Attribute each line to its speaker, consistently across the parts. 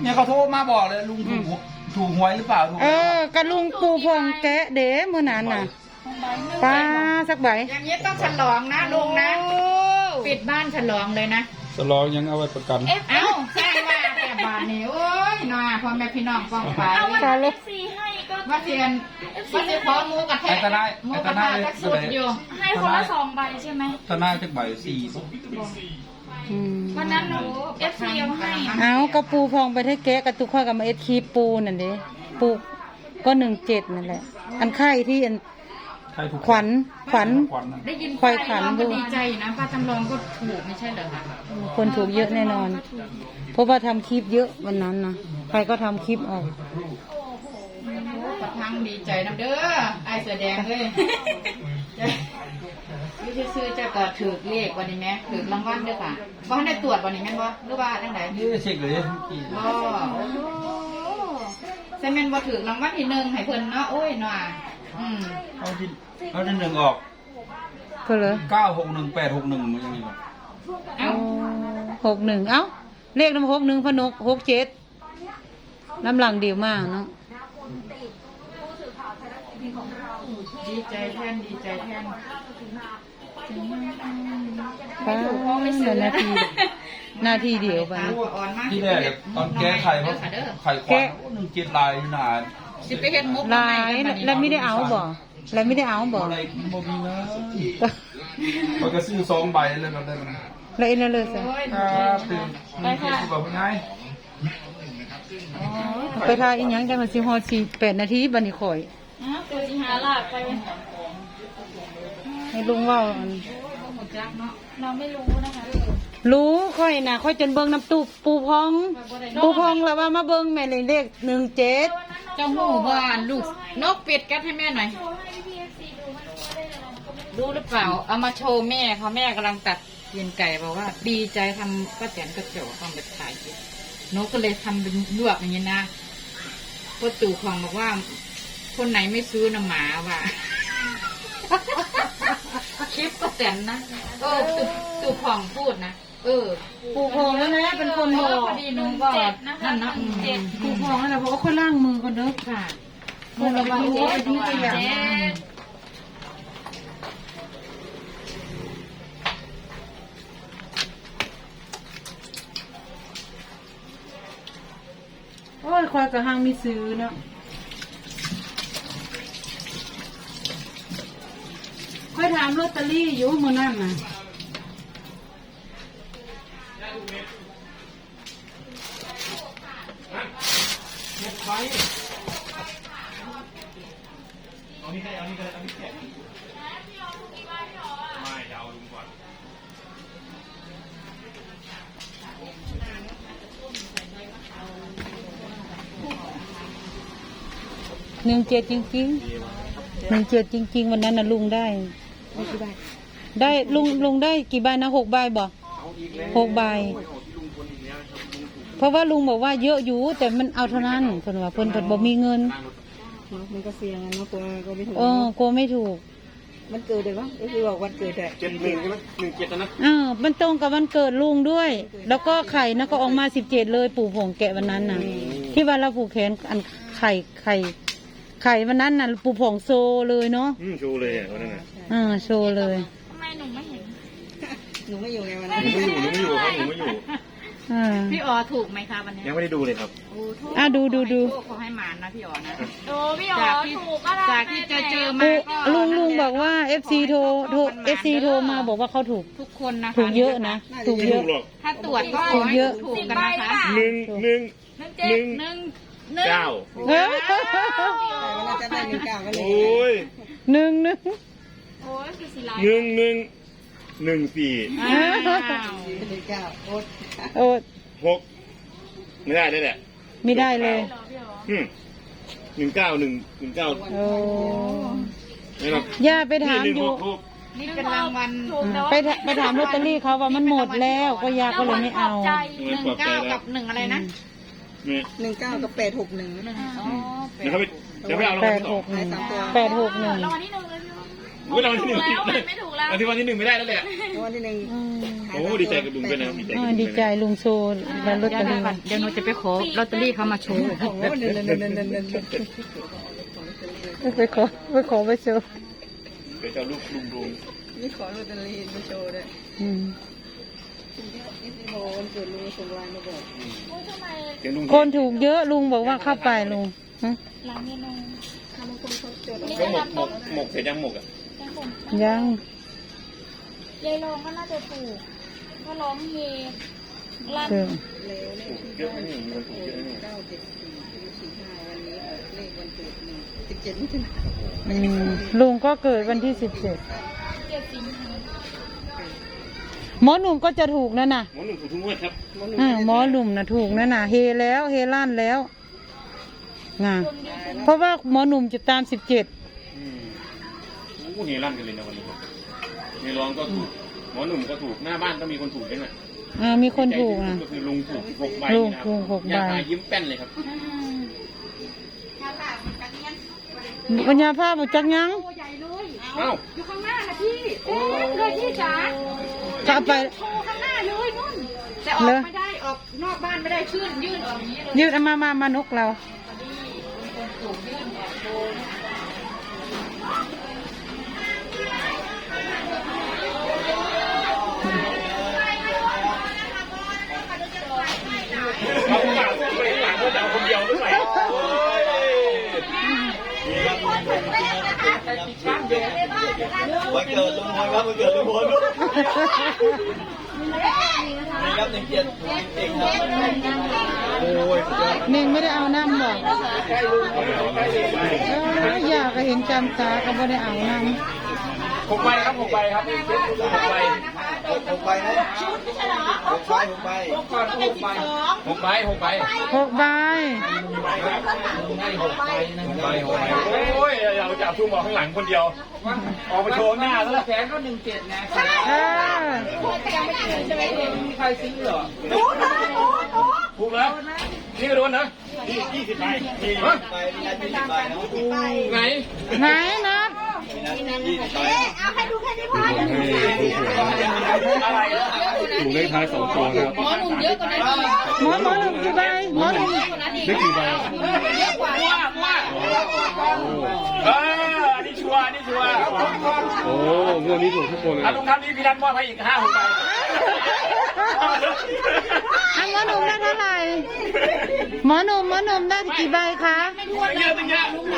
Speaker 1: เนี่ยเขาโทรมาบอกเลยลุงถูกหวยหรือเปล่าถูก
Speaker 2: กระลุงปูพองแกะเด้เมื่อนั้นน่ะป้าสักใบ
Speaker 3: อย่างนี้ต้องฉลองนะลุงนะปิดบ้านฉลองเลยนะ
Speaker 1: ฉลองยังเอาไว้ประกัน
Speaker 3: เอ้าใช่ว่าแต่บาทนี่โอ้ยน่าพ่อแม่พี่น้องฟ้องไป
Speaker 4: เอาวัน FC ให้ก็
Speaker 3: ว่าเทียนพอหมูกระแทกหมูกระทะก็สุดอยู่
Speaker 4: ให้คนละ2 ใบใช่ไหม
Speaker 1: ทนายจะใบ4
Speaker 4: วันนั้นหนู FC เอาให้
Speaker 2: เอากระปูพองไปให้แกะกระตุกข้อกับมาคีปูนั่นเด้ปูก็17นั่นแหละอันไข่ที่อันขวัญ
Speaker 3: ได้ยิน
Speaker 2: ควายขัน
Speaker 3: ก็ดีใจนะป้าจำลองก็ถูกไม่ใช่เหรอคะ
Speaker 2: คนถูกเยอะแน่นอนเพราะว่าทำคลิปเยอะวันนั้นนะใครก็ทำคลิปออก
Speaker 3: ประทังดีใจนะเด้อไอเสือแดงเลยยูซื้อจะกอดถือเลขวันนี้ไหมถือรางวัลด้วยค่ะว่าให้ได้ตรวจวันนี้ไหมบ่หรือว่าตั้งไหน
Speaker 1: นี่เช็คเลย
Speaker 3: บ่เซเมนบ่ถือรางวัลที่1ให้เพิ่นเนาะโอ้ยหน่า
Speaker 1: เอาที่1ออก
Speaker 2: เพื่อเลย
Speaker 1: 961 861มันยังไงวะ
Speaker 2: 61เอ้าเลขน้ำ61พนก67น้ำหลังเดียวมากเนาะ
Speaker 3: ดีใจแทน
Speaker 2: ป้านาทีเดียวไป
Speaker 1: ที่แรกตอนแก้ไข่เพราะไข่ขวัญ17 ลายนาน
Speaker 3: สิไปเฮ็ดมุก
Speaker 2: ลายแล้วไม่ได้เอาบ่อะไรมีนะ
Speaker 1: มันก็ซื้อ2 ใบเลยมันได้
Speaker 2: แล้วอินเลยสิ
Speaker 1: ไปค่ะแบบไง
Speaker 2: ไปทายอีกอย่างได้มาสิฮอ8 นาทีบันนี้ข่อย
Speaker 4: ตัวสิหาลากไป
Speaker 2: ให้ลุงว่า
Speaker 4: เราไม่รู้นะคะ
Speaker 2: รู้ค่อยนะค่อยจนเบิ่งน้ำตู้ปูพองแล้วว่ามาเบิ่งแม่เลข17
Speaker 3: เจ้าหูบ้านลูกนกเป็ดกัดให้แม่หน่อยดูหรือเปล่าเอามาโชว์แม่เขาแม่กำลังตัดเย็นไก่บอกว่าดีใจทำป้าแตนกระโจกทำแบบขายนกก็เลยทำเป็นลวกอย่างนี้นะพ่อตู่ของบอกว่าคนไหนไม่ซื้อน้ำหมาว่ะคลิปป้าแตนนะตู่ของพูดนะ
Speaker 2: ปูพองแล้วนะเป็นคนบอก
Speaker 3: พอดีนุ่งก็นั่นนะ
Speaker 2: ปูพองแล้วเพราะว่าค่อยล้างมือก่อนเด้อ
Speaker 3: ค่ะ
Speaker 2: มือเราไปที่ตัวอย่างโอ้ยคอยกระหังมีซื้อเนาะค่อยถามลอตเตอรี่อยู่มื้อนั้นน่ะ17จริงวันนั้นนะลุงได้ลุงได้กี่ใบนะ6 ใบบ่6 ใบเพราะว่าลุงบอกว่าเยอะอยู่แต่มันเอาเท่านั้นเพิ่นว่าเพิ่นบ่มีเงิน
Speaker 5: มันก็เสี่ยงนะกลัวก็ไม่ถูก
Speaker 2: กลัวไม่ถูก
Speaker 5: มันเกิดเลยวะก็คือบอกวันเกิดแต่
Speaker 1: 71ใช่ไหม17นะ
Speaker 2: มันตรงกับวันเกิดลุงด้วยแล้วก็ไข่นะก็ออกมา17เลยปู่ผงแกะวันนั้นน่ะที่ว่าเราผูกแขนอันไข่วันนั้นน่ะปู่ผงโซเลยเนาะ
Speaker 1: โชว์เลยวันนั้นน่ะ
Speaker 2: โชว์เลย
Speaker 4: ทำไมหนูไม่เห็น
Speaker 5: หนูไม่อยู่ไงวันนั้น
Speaker 1: หนูไม่อยู่
Speaker 3: พี่อ๋อถูกไหมคะวันนี้
Speaker 1: ยังไม่ได้ดูเลยครับ
Speaker 2: ดู
Speaker 3: เขาให้หมานนะพี่อ๋อนะ
Speaker 4: พี่อ๋อถูกอะไร
Speaker 3: จากที่เจอมา
Speaker 2: ลุงบอกว่า FC โทรมาบอกว่าเขาถูก
Speaker 3: ทุกคนนะคะ
Speaker 2: ถูกเยอะนะถูกเยอะ
Speaker 3: ถ้าตรวจก็
Speaker 2: ถูกเยอะ
Speaker 3: ถูกกันนะคะ
Speaker 1: 1 9
Speaker 5: จะได้1 9กันเลย
Speaker 1: โอ้ย
Speaker 4: โอ้ยคือสีลาย
Speaker 1: 1 4
Speaker 5: 9
Speaker 2: โอ๊ต
Speaker 1: 6ไม่ได้เลยแหละ
Speaker 2: ไม่ได้เลย
Speaker 1: 19
Speaker 2: ย่าไปถามอยู่
Speaker 3: นี่เป็นรางวัล
Speaker 2: ไปถามลอตเตอรี่เขาว่ามันหมดแล้วก็ย่าก็เลยไม่เอา
Speaker 3: 19กับ1อะไรนะ
Speaker 5: 19กับ861
Speaker 1: เดี๋ยวไปเอา
Speaker 2: 861
Speaker 4: รางวัลที่ 1เลย
Speaker 1: รางวัลที่ 1ไม่ถูกแล้วรางวัลที่ 1ไม่ได้แล้วแหละ
Speaker 5: โอ้วันที่หนึ่ง
Speaker 6: โอ้ดีใจกับลุงด้วยนะดีใจกับลุง
Speaker 2: ดีใจลุงโซแล้วลอตเตอรี่
Speaker 3: เดี๋ยวหนูจะไปขอลอตเตอรี่เขามาโชว์
Speaker 5: โอ้โหเดิน
Speaker 2: ไปขอไปโชว์
Speaker 6: เดี๋ยวจะเอาลูกลุง
Speaker 5: นี่ขอลอตเตอรี่มาโชว์ด้วย
Speaker 2: อืม
Speaker 5: นี่สิโบวันเกิดลุงส่งไลน์มาบอก
Speaker 6: เดี๋ยวลุง
Speaker 2: คนถูกเยอะลุงบอกว่าเข้าไปลุงฮะ
Speaker 4: ร้านเมนู
Speaker 5: ทำบางคนเขาจด
Speaker 6: ก็หมกเสร็จยังหมกอ่ะ
Speaker 4: ยังผม
Speaker 2: ยัง
Speaker 4: ยายรองก็น่าจะถูกก็ร้องเฮลั่น
Speaker 2: เออ
Speaker 5: แล้วเลข
Speaker 6: เยอะนะนี่มันถูกเยอะนะนี่
Speaker 5: 97445วันนี้ออกเลขวันเกิด17มิถุนายน
Speaker 2: อืมลุงก็เกิดวันที่
Speaker 4: เจ็ดสิงหา
Speaker 2: 17หมอหนุ่มก็จะถูกนั่นน่ะ
Speaker 6: หมอหนุ่มถูกทุกงวดครับ
Speaker 2: หมอหนุ่มน่ะถูกนั่นน่ะเฮแล้วเฮลั่นแล้วงาเพราะว่าหมอหนุ่มจะตาม17
Speaker 6: โอ้เฮลั่นกันเลยนะวันนี้ครับเฮร้องก็ถูกหมอหนุ่มก็ถูกหน้าบ้านก็มีคนถูกด้วยนะ
Speaker 2: มีคนถูก
Speaker 6: ใจ
Speaker 2: นะ
Speaker 6: ที่สุดก็คือลุงถูก6 ใบ
Speaker 2: ลุง
Speaker 6: นะค
Speaker 2: ถู
Speaker 6: รับ
Speaker 2: ก6
Speaker 6: ยา
Speaker 2: ใบ
Speaker 6: ตายิ้มแป้นเลยครับ
Speaker 2: ปัญญาภาพจักยัง
Speaker 6: เอ้า
Speaker 4: อยู่ข้างหน้าค่ะพี่เลยพี่จ๋า
Speaker 2: จะเอาไป
Speaker 4: โชว์ข้างหน้าเลยนุ่นแต่ออกไม่ได้ออกนอกบ้านไม่ได้ชื่นยื่นออกอย่างนี้เลย
Speaker 2: ยืดเอามานกเรา
Speaker 6: เอาหลังไปหลังก็จะเอาคนเดียวด้วย
Speaker 1: วันเกิดลุงพลครับวันเกิดลุงพลนี่ครับ1 7จริงๆครับโอ้ย
Speaker 2: เน่งไม่ได้เอาน้ำบอกอยากเห็นจำตาก็ไม่ได้เอาน้ำ
Speaker 6: 6 ใบครับ6 ใบครับ6 ใบ
Speaker 1: 6 ใบนะ6 ใบ6 ใบ6 ใบ
Speaker 6: 6
Speaker 1: 6 ใบ
Speaker 6: ใบ6 ใบ
Speaker 2: 6 ใบ
Speaker 1: ให้6 ใบนะ6 ใบ6 ใบ
Speaker 6: โอ้ยเราจับทุ่มออกข้างหลังคนเดียวออกไปโชว์หน้าซะแล้ว
Speaker 1: แขนก็17นะ
Speaker 2: เออ
Speaker 1: มีใครซื้อเหรอ
Speaker 6: ถูกแล้วนี่ก็โดนนะ20 ใบฮะ
Speaker 1: ไปมีนัด20 ใบเนาะ
Speaker 6: ไหน
Speaker 2: ไหนนะ
Speaker 1: มีนัด20 ใบ
Speaker 4: เอาให้ดูแค่นี้พอ
Speaker 6: อะไรนะ
Speaker 7: ถูกเลขท้าย2 ตัวนะครับ
Speaker 3: หมอหนุ่มเยอะกว่านั้นอีก
Speaker 2: หมอหนุ่มกี่ใบหมอหนุ่ม
Speaker 7: ได้กี่ใบ
Speaker 3: เยอะกว่า
Speaker 6: อันนี้ชัวร์อันนี้ชัวร์
Speaker 7: โอ้งวดนี้ถูกทุกคนเลย
Speaker 6: อ่ะลุงครับนี่พี่นัทมอบให้อีก5-6 ใบ
Speaker 2: หมอหนุ่มได้เท่าไหร่หมอหนุ่มได้กี่ใบคะ
Speaker 6: เยอะตั้งเยอะ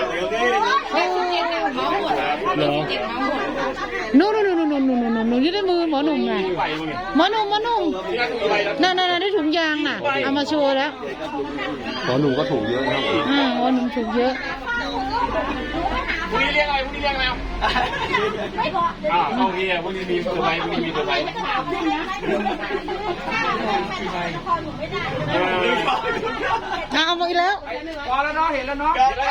Speaker 7: เหรอ
Speaker 2: นู่นอยู่ในมือหมอหนุ่มไง
Speaker 6: ใบมึงเนี่ย
Speaker 2: หมอหนุ่ม
Speaker 6: พี่นัทถูกกี่ใบแล้ว
Speaker 2: นั่นได้ถุงยางน่ะเอามาโชว์แล้ว
Speaker 7: หมอหนุ่มก็ถูกเยอะนะครับ
Speaker 2: หมอหนุ่มถูกเยอะ
Speaker 6: พรุ่งนี้เรียกอะไรพรุ่งนี้เรียกอะไรเอางี้อ่ะพรุ่งนี้มีตัวใบพรุ่งนี้มีตัวใบ
Speaker 2: เอามาอีกแล้ว
Speaker 1: พอแล้วเนาะเห็นแล้วเนาะ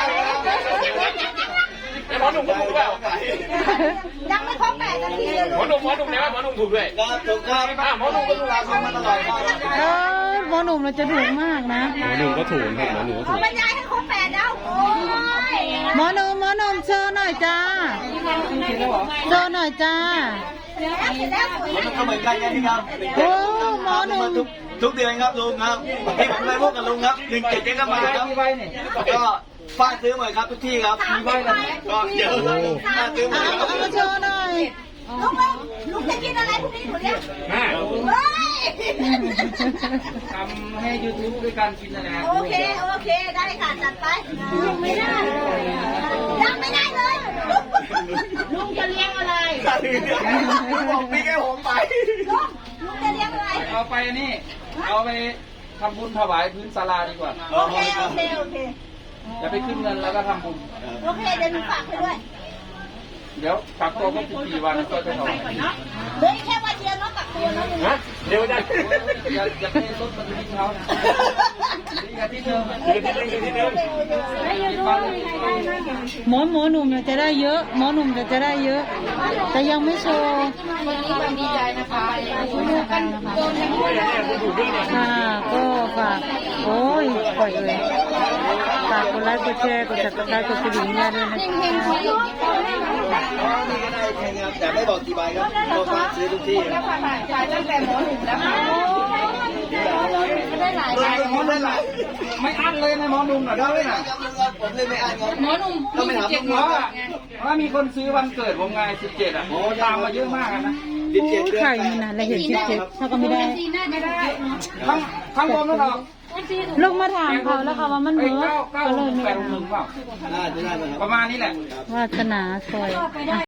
Speaker 6: ไอ้หมอหนุ่มก็ถูกเปล่า
Speaker 4: ยังไม่ครบ8 นาทีเลย
Speaker 6: หมอหนุ่มไหนวะหมอหนุ่มถูกด้วย
Speaker 1: ครับถูกครับ
Speaker 6: หมอหนุ่มก็ถูก
Speaker 1: ตามมาตลอดครับ
Speaker 2: หมอหนุ่มเราจะถูกมากนะ
Speaker 7: หมอหนุ่มก็ถูกครับหมอหนุ่มก็ถูก
Speaker 4: บรรยายให้ครบ8แล้วโอ้ย
Speaker 2: หมอหนุ่มโชว์หน่อยจ้าโชว์หน่อยจ้า
Speaker 4: เสร็จแล้วสวย
Speaker 1: มันก็เหมือนกันครับ
Speaker 2: โอ้หมอหนุ่ม
Speaker 1: ทุกเดือนครับลุงครับที่ผมไปพบกับลุงครับ17ก็มาครับก็ป้าซื้อหน่อยครับทุกที่ครับมีใบนะก็เดี๋ยวป้าซื้อหน่อยครับ
Speaker 2: เอามาโชว์หน่อย
Speaker 4: ลุงจะกินอะไรพรุ่งนี้หนูเรียก
Speaker 6: แม่
Speaker 4: เฮ้ย
Speaker 1: ทำให้ YouTube ด้วยการกินนะนะ
Speaker 4: โอเคได้ค่ะจัดไปยังไม่ได้เลยลุงจะเลี้ยงอะไร
Speaker 1: บอกพี่แค่ผมไป
Speaker 4: ลุงจะเลี้ยงอะไร
Speaker 1: เอาไปนี่เอาไปทำบุญถวายพื้นศาลาดีกว่า
Speaker 4: โอเค
Speaker 1: จะไปขึ้นเงินแล้วก็ทำบุญ
Speaker 4: โอเคเดี๋ยวหนูฝากไปด้วย
Speaker 1: เดี๋ยวกักตัวก็14 วันก็ไปถวาย
Speaker 4: เหลือแค่วันเดียวเนาะกักตัวเนาะ
Speaker 6: ฮะเร็วจัง
Speaker 1: อย่าให้รถมันทิ้งเขานะนี่กันที่เดิม
Speaker 6: ทีเดิม
Speaker 2: หมอหนุ่มจะได้เยอะหมอหนุ่มจะได้เยอะ แต่ยังไม่โชว์
Speaker 3: วันนี้วันดีใจนะคะดูกันโดนทั้งคู่
Speaker 6: คุณถูกด้วยเนี่ย
Speaker 2: ค่ะก็ฝากโอ้ยปล่อยเลยฝากกดไลค์กดแชร์กด subscribe กดกระดิ่งแม่ด้วยนะคะ
Speaker 1: นี่ก็ได้แข่งครับแต่ไม่บอกกี่ใบครับก็ฝากซื้อทุกที่ครับ
Speaker 4: ขายตั้งแต่หมอหนุ่มแล้วค่ะได้หลาย
Speaker 1: ได้หลาย
Speaker 6: ไม่อั้นเลยนะหมอหนุ่มหน่อย
Speaker 1: ก็
Speaker 6: ได้
Speaker 1: ไม่
Speaker 6: ไหม
Speaker 1: อ่านครับผมเลยไม่อ่านครับ
Speaker 3: หมอหนุ่ม
Speaker 1: ก็ไม่ถาม
Speaker 3: 27
Speaker 1: หมอ
Speaker 6: ว่ามีคนซื้อวันเกิดผมไง17อ่ะตามมาเยอะมากนะ
Speaker 1: 17
Speaker 2: โอ้
Speaker 1: เดือน
Speaker 2: ไข่นี่นะเราเห็น17เขาก็ไม่ได้
Speaker 6: ทั้งรวมแล้วเหรอ
Speaker 2: ลงมาถามเขาแล้วค่ะว่ามัน
Speaker 6: เอ้
Speaker 2: เบิ
Speaker 6: ย
Speaker 2: ร์
Speaker 6: 9
Speaker 2: ก็เลยไม่
Speaker 6: 8
Speaker 2: ได้
Speaker 6: 1เปล่า
Speaker 1: น่าจะได้ไหมครับ
Speaker 6: ประมาณนี้แหละ
Speaker 2: วาสนาซอย